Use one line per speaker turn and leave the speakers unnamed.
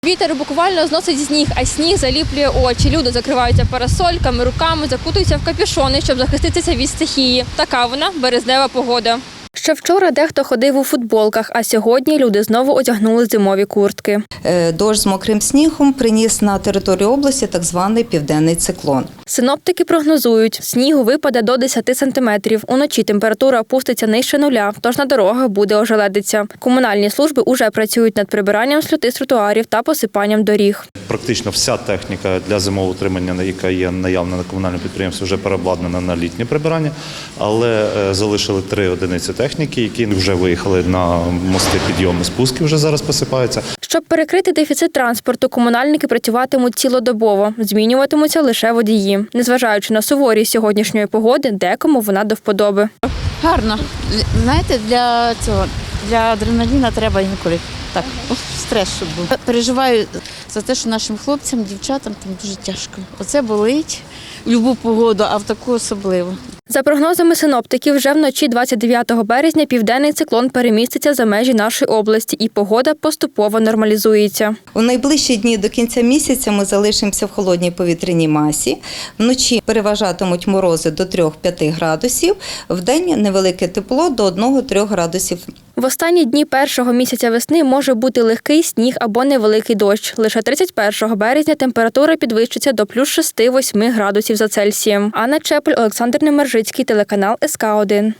Вітер буквально зносить сніг, а сніг заліплює очі. Люди закриваються парасольками, руками, закутуються в капюшони, щоб захиститися від стихії. Така вона березнева погода. Ще вчора дехто ходив у футболках, а сьогодні люди знову одягнули зимові куртки.
Дощ з мокрим снігом приніс на територію області так званий південний циклон.
Синоптики прогнозують, снігу випаде до 10 сантиметрів. Уночі температура опуститься нижче нуля, тож на дорогах буде ожеледиця. Комунальні служби уже працюють над прибиранням сльоти з тротуарів та посипанням доріг.
Практично вся техніка для зимового утримання, яка є наявна на комунальному підприємстві, вже переобладнана на літнє прибирання, але залишили 3 одиниці техніки, які вже виїхали на мости підйому, спуски вже зараз посипаються.
Щоб перекрити дефіцит транспорту, комунальники працюватимуть цілодобово, змінюватимуться лише водії. Незважаючи на суворість сьогоднішньої погоди, декому вона до вподоби.
Гарно. Знаєте, для адреналіна треба інколи так, стрес, щоб був. Переживаю за те, що нашим хлопцям, дівчатам там дуже тяжко. Оце болить в будь-яку погоду, а в таку особливо.
За прогнозами синоптиків, вже вночі 29 березня південний циклон переміститься за межі нашої області і погода поступово нормалізується.
У найближчі дні до кінця місяця ми залишимося в холодній повітряній масі. Вночі переважатимуть морози до 3-5 градусів, вдень невелике тепло до 1-3 градусів.
В останні дні першого місяця весни може бути легкий сніг або невеликий дощ. Лише 31 березня температура підвищиться до плюс 6-8 градусів за Цельсієм. Анна Чепель, Олександр Немержицький, телеканал СК1.